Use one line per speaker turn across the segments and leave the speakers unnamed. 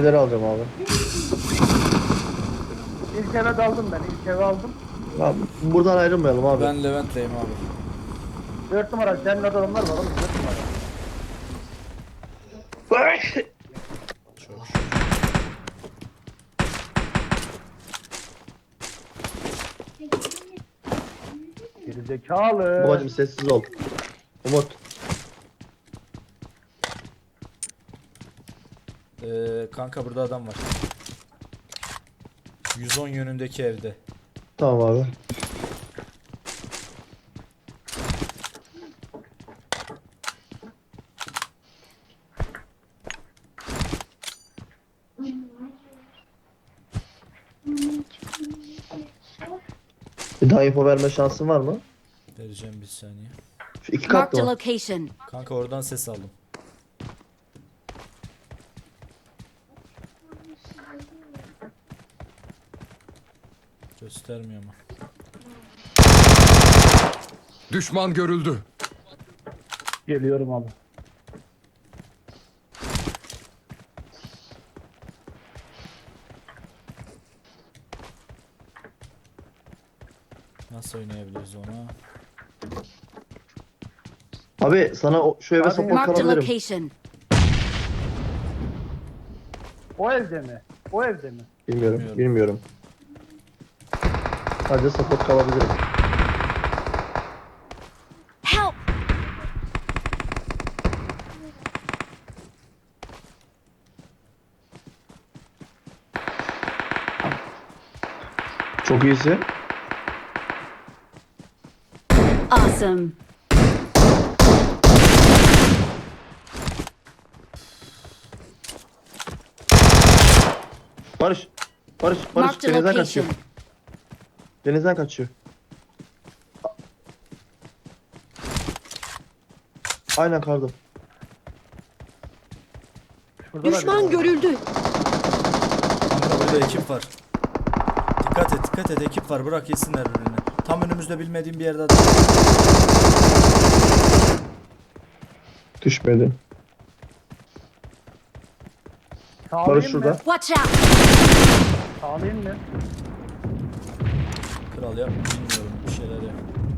Evleri alacağım abi.
İlk eve daldım ben. İlk eve aldım.
Abi, buradan ayrılmayalım abi.
Ben Levent'teyim abi.
4 numara. Senin adamlar var oğlum. 4 numara.
Çok şükür.
Gerizekalı.
Babacım sessiz ol. Umut.
Kanka burada adam var. 110 yönündeki evde.
Tamam abi. Bir daha info verme şansın var mı?
Vereceğim bir saniye.
Şu iki
Marked
katlı
a
mı?
location.
Kanka oradan ses aldım. Göstermiyor ama.
Düşman görüldü.
Geliyorum abi.
Nasıl oynayabiliriz onu?
Abi sana şu eve
Abi,
support
Marked a
kalabilirim.
location.
O evde mi? O evde mi?
Bilmiyorum.
Bilmiyorum.
Bilmiyorum. Sadece support kalabilirim.
Help!
Çok iyisi.
Awesome.
Barış. Barış. Barış.
Marked a
Denizden kaçıyor.
location.
Denizden kaçıyor. Aynen kardım.
Şurada da
Düşman
biri var.
görüldü.
Kanka burada ekip var. Dikkat et, dikkat et, ekip var. Bırak yesinler birbirini. Tam önümüzde bilmediğim bir yerde adam.
Düşmedi.
Sağlayayım
Barış
mı?
şurada.
Watch out!
Sağlayayım mı?
Kral yap, bilmiyorum bir şeyler yap.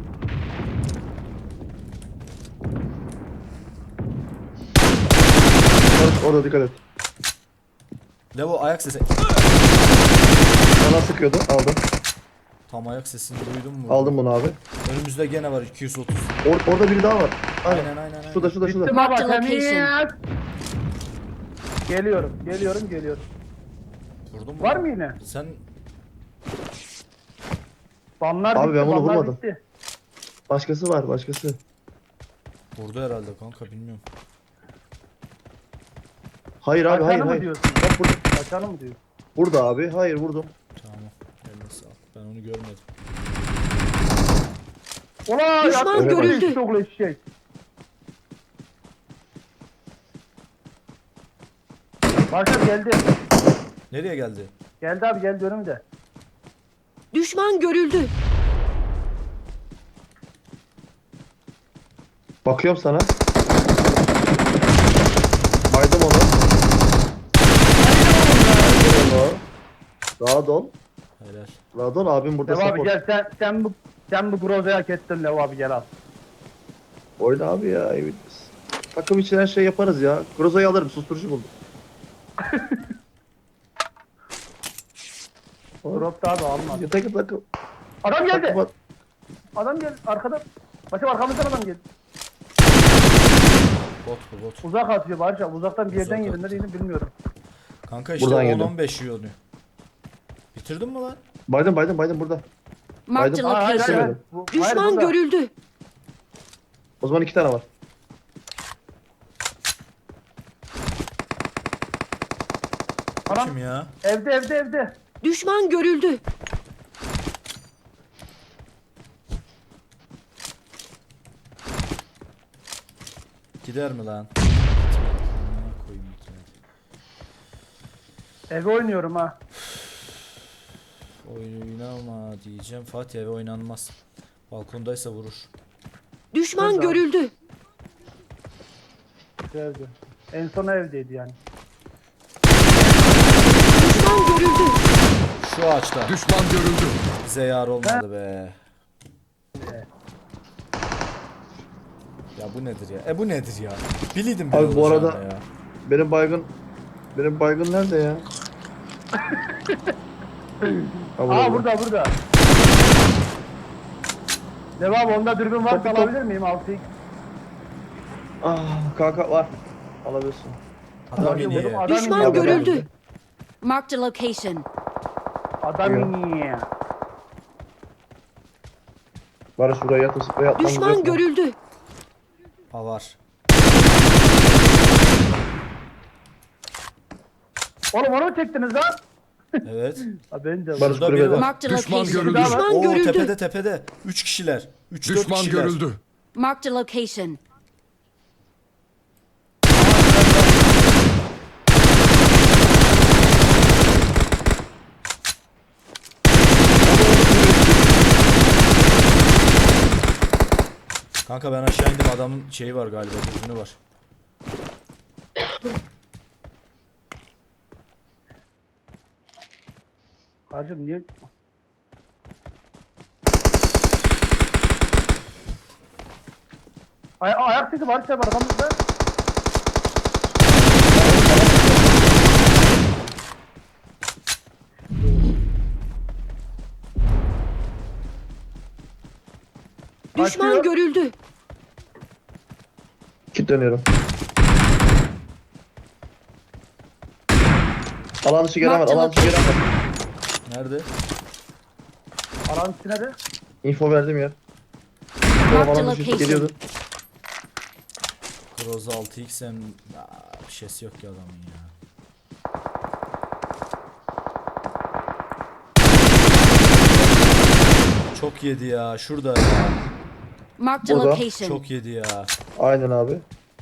Barış orada dikkat et.
Levo ayak sesi.
Bana sıkıyordu. Aldım.
Tam ayak sesini duydun mu?
Aldım bunu abi.
Önümüzde gene var 230.
Orada biri daha var. Aynen.
Aynen.
Şurada şurada
Bittim
şurada.
baba.
Marked
Temiz.
location.
Geliyorum. Geliyorum. Geliyorum.
Vurdun mu?
Var mı yine?
Sen
Banlar
Abi
bitti.
ben bunu
banlar
vurmadım.
bitti.
Başkası var başkası.
vurdu herhalde kanka bilmiyorum.
Hayır abi hayır
Kaçanı mı
hayır.
diyorsun?
Bak burada.
Kaçanı mı diyorsun?
Burada abi. Hayır vurdum.
Tamam. Eline sağlık. Ben onu görmedim.
Ulan
Düşman
yaktın
görüldü.
beni eşşoğlu eşek. Başar geldi.
Nereye geldi?
Geldi abi geldi önümde.
Düşman görüldü.
Bakıyorum sana. Baydım onu. Rahat ol.
Helal.
Rahat ol abim burada
Lev abi
support.
gel sen bu Groza'yı hak ettin Lev abi gel al.
Oyna abi ya. Evet. Takım için her şey yaparız ya. Groza'yı alırım. Susturucu buldum.
Drop da abi almadı.
Takım.
Adam geldi.
Takım.
Adam geldi arkada. Başım arkamızdan adam geldi.
Bot bu bot.
Uzak atıyor Barış abi. Uzaktan bir yerden
Uzak
yedi. Nereydi bilmiyorum.
Kanka işte
Buradan yedi.
10-15 yiyor onu. Bitirdin mi lan?
Baydım burada.
Marked a
Hayır,
Hayır,
location.
hayır.
Düşman
burada.
görüldü.
O zaman 2 tane var.
Adam
Kim ya?
evde.
Düşman görüldü.
Gider mi lan? Amına koyayım gitmedi.
Eve oynuyorum ha.
Oynama diyeceğim. Fatih eve oynanmaz. Balkondaysa vurur.
Düşman
Nerede abi?
görüldü.
Evde. En son evdeydi yani.
Düşman görüldü.
Şu ağaçta.
Düşman görüldü.
Bize yar olmadı be. Ya bu nedir ya? Bu nedir ya? Biliydim ben
Abi bu
olacağını
arada-
ya.
Benim baygın nerede ya? Ha,
Aa burada. Devam onda dürbün var
Top, top.
alabilir miyim 6x?
Ah, kanka var. Alabilirsin.
Adam
Vurdum,
iniyor.
adam
Düşman
iniyor.
görüldü. Marked a location.
Adam
Yok.
iniyor.
Barış buraya yatıp sprey atmamız
Düşman
yok mu?
görüldü.
Ha var.
Oğlum onu mu çektiniz lan?
Evet.
Ha ben de.
Barış
Burada biri
kulübede.
var.
Marked a
Düşman
location.
görüldü.
Düşman
Oo
görüldü.
tepede. 3 kişiler. 3-4
Düşman
kişiler.
görüldü.
Marked a location.
Kanka ben aşağı indim, adamın şeyi var galiba, dürbünü var.
Hacım niye? Ayak sesi var işte arkamızda.
Düşman
Kaçıyor.
görüldü.
Kilitleniyorum. Alan dışı gelemez. Alan dışı gelemez.
Nerede?
Alan içine de.
Info verdim ya.
Marked a
Alan dışı
location.
geliyordu.
Groza 6x'en bir şeysi yok ki adamın ya. Çok yedi ya şurada ya.
Marked a
Burada.
location.
Çok yedi ya.
Aynen abi.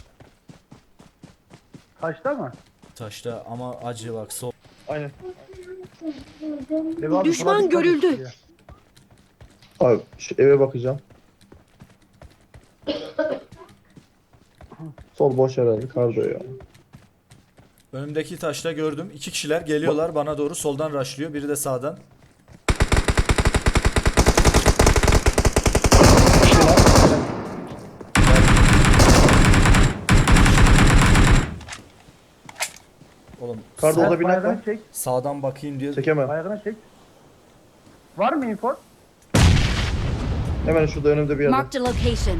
Taşta mı?
Taşta ama acı bak sol.
Aynen.
Devam,
Düşman
buna dikkat
görüldü.
et ya.
Abi şu eve bakacağım. Sol boş herhalde. Kardo ya.
Önümdeki taşta gördüm. 2 kişiler geliyorlar bana doğru, soldan rushlıyor. Biri de sağdan. Oğlum
Kardo orada bir nak var.
Bayağını çek.
sağdan bakayım diye.
Çekemem.
Bayağını çek. Var mı info?
Hemen şurada önümde bir yerde.
Marked a location.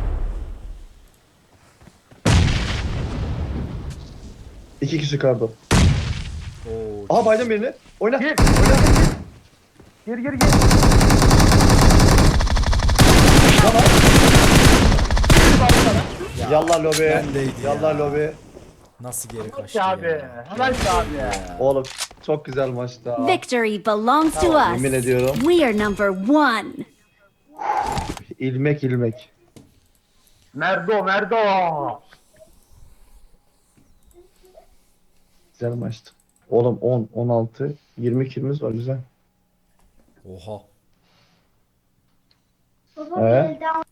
İki kişi kardo.
Oo,
Aha baydım birini. Oyna.
Gir. Gir.
Yallah lobi.
Bendeydi ya.
Yallah lobi.
nasıl geri kaçtı
Abi.
ya.
Helal abi.
Oğlum çok güzel maçtı ha.
Victory belongs to us.
Yemin ediyorum.
We are number one.
İlmek.
Merdo.
Güzel maçtı. Oğlum 10, 16, 20 kilimiz var güzel.
Oha.
He?